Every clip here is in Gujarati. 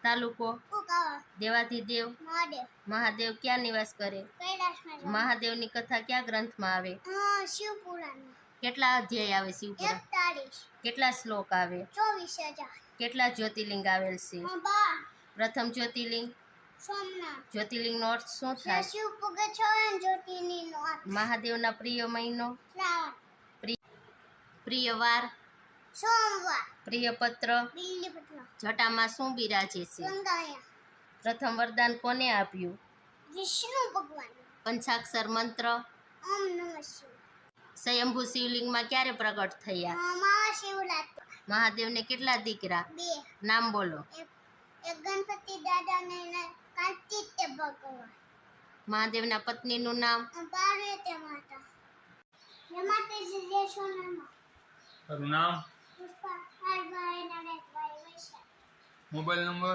तालुको देवाधिदेव महादेव क्या निवास करे महादेव नी कथा क्या ग्रंथ में आवे शिवपुराण કેટલા અધ્યાય આવે શિવપુરાણ 41 કેટલા શ્લોક આવે 24,000 કેટલા જ્યોતિર્લિંગ આવેલ છે પ્રથમ જ્યોતિર્લિંગ સોમનાથ જ્યોતિર્લિંગ નો અર્થ શું થાય શિવ પૂગે છે જ્યોતિર્લિંગ નો અર્થ મહાદેવના પ્રિય મહિનો શ્રાવણ પ્રિય વાર સોમવાર પ્રિય પત્ર બિલ્લીપત્ર જટામાં શું બિરાજે છે ગંગાયા પ્રથમ વરદાન કોને આપ્યું વિષ્ણુ ભગવાન પંચાક્ષર મંત્ર ઓમ નમઃ શિવાય સ્વયંભૂ શિવલિંગમાં ક્યારે પ્રગટ થયા મહાશિવરાત્રી મહાદેવને કેટલા દીકરા 2 નામ બોલો એક ગણપતિ દાદા ને કાર્તિકે ભગવાન મહાદેવના પત્નીનું નામ પાર્વતી માતા જય માતાજી જય સોનામાં તારું નામ પુષ્પા હરભાઈ નરેશભાઈ વૈશાખ મોબાઈલ નંબર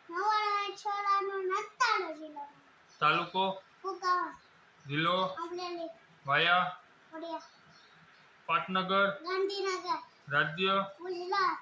9996 જિલ્લો તાલુકો કુકાવા જિલ્લો અમરેલી વાયા વડિયા પાટનગર ગાંધીનગર રાજ્ય ગુજરાત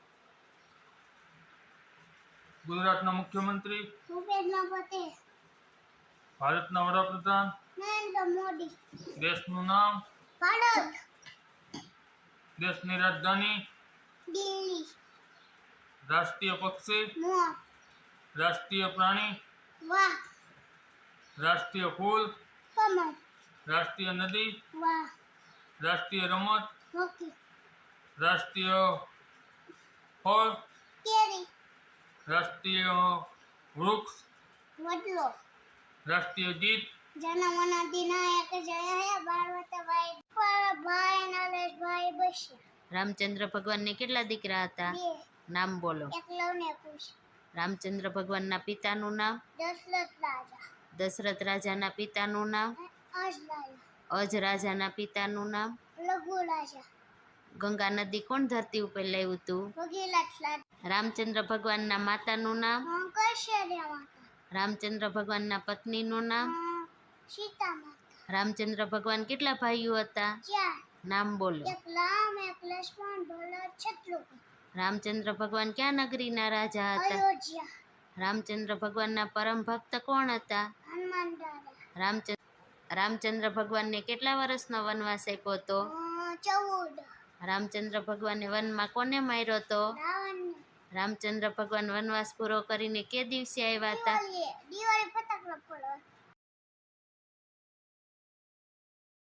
ગુજરાતના મુખ્યમંત્રી ભૂપેન્દ્ર પટેલ ભારતના વડાપ્રધાન નરેન્દ્ર મોદી દેશનું નામ ભારત દેશની રાજધાની દિલ્હી રાષ્ટ્રીય પક્ષી મોર રાષ્ટ્રીય પ્રાણી વાહ રાષ્ટ્રીય ફૂલ કમળ રાષ્ટ્રીય નદી વાહ રાષ્ટ્રીય રમત હોકી રાષ્ટ્રીય ફળ કેરી રાષ્ટ્રીય વૃક્ષ વડલો રાષ્ટ્રીય ગીત જનમન અધિનાયક જય હે ભારતભાઈ ભાઈ નરેશભાઈ બસ્યા રામચંદ્ર ભગવાનને કેટલા દીકરા હતા 2 નામ બોલો એકલવને પૂછ રામચંદ્ર ભગવાનના પિતાનું નામ દશરથ રાજા દશરથ રાજાના પિતાનું નામ અજલાયા અજ રાજાના પિતાનું નામ લઘુ રાજા ગંગા નદી કોણ ધરતી ઉપર લાવ્યું હતું ભગીરથ રામચંદ્ર ભગવાનના માતાનું નામ કૌશલ્યા માતા રામચંદ્ર ભગવાનના પત્નીનું નામ સીતા માતા રામચંદ્ર ભગવાન કેટલા ભાઈઓ હતા 4 નામ બોલો એક રામ એક લક્ષ્મણ ભરત શત્રુઘ્ન રામચંદ્ર ભગવાન ક્યાં નગરીના રાજા હતા અયોધ્યા રામચંદ્ર ભગવાનના પરમ ભક્ત કોણ હતા હનુમાન દાદા રામચંદ્ર ભગવાનને કેટલા વર્ષનો વનવાસ આપ્યો હતો 14 રામચંદ્ર ભગવાને વનમાં કોને માર્યો હતો રાવણને રામચંદ્ર ભગવાન વનવાસ પૂરો કરીને કે દિવસે આવ્યા હતા દિવાળી ફટાકડા ફોડવા